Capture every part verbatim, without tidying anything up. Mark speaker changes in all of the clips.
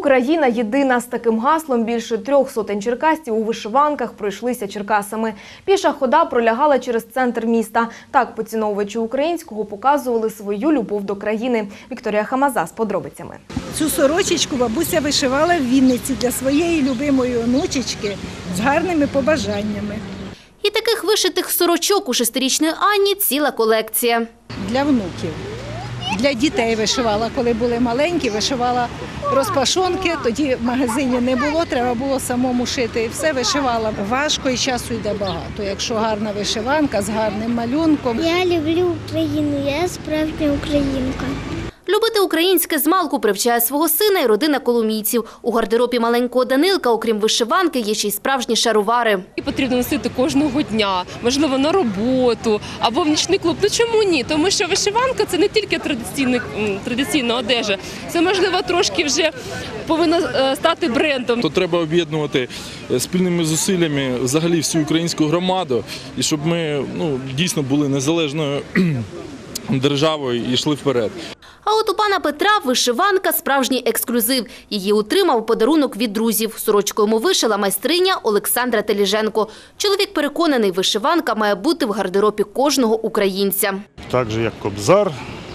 Speaker 1: Україна єдина. З таким гаслом більше трьох сотень черкасців у вишиванках пройшлися Черкасами. Піша хода пролягала через центр міста. Так поціновувачі українського показували свою любов до країни. Вікторія Хамаза з подробицями.
Speaker 2: Цю сорочечку бабуся вишивала в Вінниці для своєї любимої онучечки з гарними побажаннями.
Speaker 3: І таких вишитих сорочок у шестирічної Анні ціла колекція.
Speaker 2: Для внуків. Для дітей вишивала, коли були маленькі, вишивала розпашонки, тоді в магазині не було, треба було самому шити. І все вишивала. Важко і часу йде багато, якщо гарна вишиванка з гарним малюнком.
Speaker 4: Я люблю Україну, я справжня українка.
Speaker 3: Любити українське змалку привчає свого сина і родина коломійців. У гардеробі маленького Данилка, окрім вишиванки, є ще й справжні шаровари.
Speaker 5: І потрібно носити кожного дня, можливо, на роботу або в нічний клуб. Ну чому ні? Тому що вишиванка – це не тільки традиційна одежа, це, можливо, трошки вже повинна стати брендом.
Speaker 6: То треба об'єднувати спільними зусиллями взагалі всю українську громаду, і щоб ми ну, дійсно були незалежною державою і йшли вперед.
Speaker 3: А от у пана Петра вишиванка – справжній ексклюзив. Її отримав подарунок від друзів. Сорочку йому вишила майстриня Олександра Теліженко. Чоловік переконаний, вишиванка має бути в гардеробі кожного українця.
Speaker 7: Так же, як кобзар,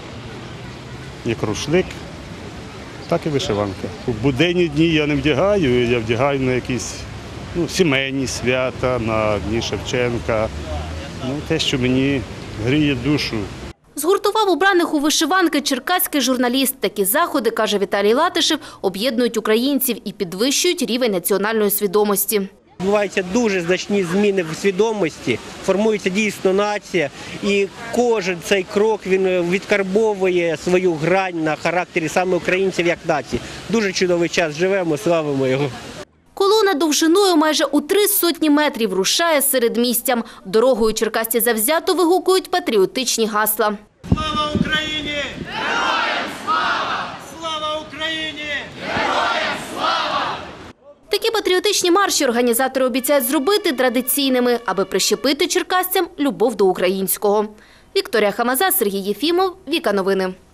Speaker 7: як рушник, так і вишиванка. У буденні дні я не вдягаю, я вдягаю на якісь ну, сімейні свята, на Дні Шевченка. Ну, те, що мені гріє душу.
Speaker 3: Згуртував убраних у вишиванки черкаський журналіст. Такі заходи, каже Віталій Латишев, об'єднують українців і підвищують рівень національної свідомості.
Speaker 8: Відбуваються дуже значні зміни в свідомості, формується дійсно нація, і кожен цей крок він відкарбовує свою грань на характері саме українців як нації. Дуже чудовий час живемо, славимо його.
Speaker 3: Колона довжиною майже у три сотні метрів рушає середмістям. Дорогою черкасці завзято вигукують патріотичні гасла.
Speaker 9: Слава Україні! Героям слава! Слава Україні! Героям слава!
Speaker 3: Такі патріотичні марші організатори обіцяють зробити традиційними, аби прищепити черкасцям любов до українського. Вікторія Хамаза, Сергій Єфімов, Віка Новини.